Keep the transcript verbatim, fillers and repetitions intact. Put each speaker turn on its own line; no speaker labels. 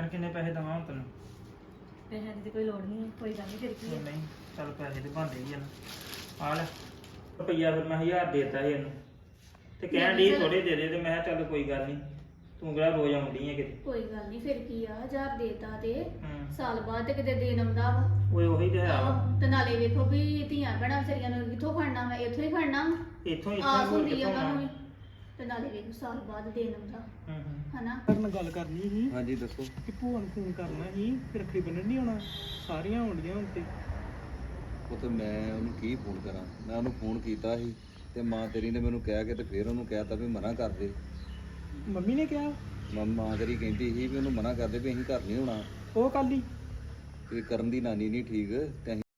ਭੈਣ ਕਿੰਨੇ ਪੈਸੇ ਦਵਾਂ ਹੁਣ ਤੈਨੂੰ?
ਪੈਸਿਆਂ ਦੀ ਤੇ ਕੋਈ ਲੋੜ ਨਹੀਂ, ਕੋਈ ਗੱਲ ਨਹੀਂ ਫਿਰ ਕੀ
ਉਹ
ਹੈ।
ਨਹੀਂ ਚੱਲ ਪੈਸੇ ਤੇ ਬਣਦੇ ਹੀ ਆ ਨਾ। ਆ ਲੈ ਰੁਪਈਆ ਫਿਰ ਮੈਂ ਹਜ਼ਾਰ ਦੇਤਾ ਸੀ ਇਹਨੂੰ ਤੇ ਕਹਿਣ ਦੀ ਥੋੜੇ ਦੇ ਦੇ ਤੇ ਮੈਂ ਕਿਹਾ ਚੱਲ ਕੋਈ ਗੱਲ ਨਹੀਂ, ਤੂੰ ਕਿਹੜਾ ਰੋਜ਼ ਆਉਂਦੀ ਹੈ ਕਿਤੇ।
ਕੋਈ ਗੱਲ ਨਹੀਂ ਫਿਰ ਕੀ ਆ, ਹਜ਼ਾਰ ਦੇਤਾ ਤੇ
ਹੂੰ
ਸਾਲ ਬਾਅਦ ਤੇ ਕਿਤੇ ਦੇਣ ਆਉਂਦਾ ਵਾ।
ਓਏ ਉਹੀ ਤੇ ਹੈ ਵਾ।
ਆਹੋ, ਤੇ ਨਾਲੇ ਵੇਖੋ ਵੀ ਧੀਆਂ ਭੈਣਾਂ ਵਿਚਾਰੀਆਂ ਨੂੰ ਕਿੱਥੋਂ ਖੜਨਾ ਵਾ, ਇੱਥੋਂ ਹੀ ਖੜਨਾ ਵਾ।
ਇੱਥੋਂ
ਆਸ
ਇੱਥੋਂ ਹੋਰ
ਹੁੰਦੀ ਆ
ਕਿੱਥੋਂ
ਉਹਨਾਂ ਨੂੰ ਵੀ।
ਆਉਣਾ।
ਤੇ ਨਾਲੇ ਵੇਖੋ ਸਾਲ ਬਾਅਦ ਦੇਣ ਆਉਂਦਾ
ਹੂੰ ਹੂੰ
ਹਨਾ।
ਕਰਨ ਗੱਲ ਕਰਨੀ ਸੀ
ਹਾਂਜੀ ਦੱਸੋ।
ਕਿ ਭੂਆ ਨੂੰ ਫੋਨ ਕਰਨਾ ਸੀ ਕਿ ਰੱਖੜੀ ਬੰਨਣ ਨਹੀਂ ਆਉਣਾ, ਸਾਰੀਆਂ ਆਉਂਦੀਆਂ ਹੁਣ ਤੇ।
ਉਹ ਤੇ ਮੈਂ ਉਹਨੂੰ ਕੀ ਫੋਨ ਕਰਾਂ, ਮੈਂ ਉਹਨੂੰ ਫੋਨ ਕੀਤਾ ਸੀ ਤੇ ਮਾਂ ਤੇਰੀ ਨੇ ਮੈਨੂੰ ਕਹਿ ਕੇ ਤੇ ਫਿਰ ਉਹਨੂੰ ਕਹਿਤਾ ਵੀ ਮਨਾ ਕਰ ਦੇ।
ਮੰਮੀ ਨੇ ਕਿਹਾ
ਮਾਂ ਮਾਂ ਤੇਰੀ ਕਹਿੰਦੀ ਸੀ ਵੀ ਉਹਨੂੰ ਮਨਾ ਕਰ ਦੇ ਵੀ ਅਸੀਂ ਘਰ ਨਹੀਂ ਹੋਣਾ,
ਉਹ ਕੱਲ ਹੀ
ਵੀ ਕਰਨ ਦੀ ਨਾਨੀ ਨਹੀਂ ਠੀਕ ਤੇ ਅਸੀਂ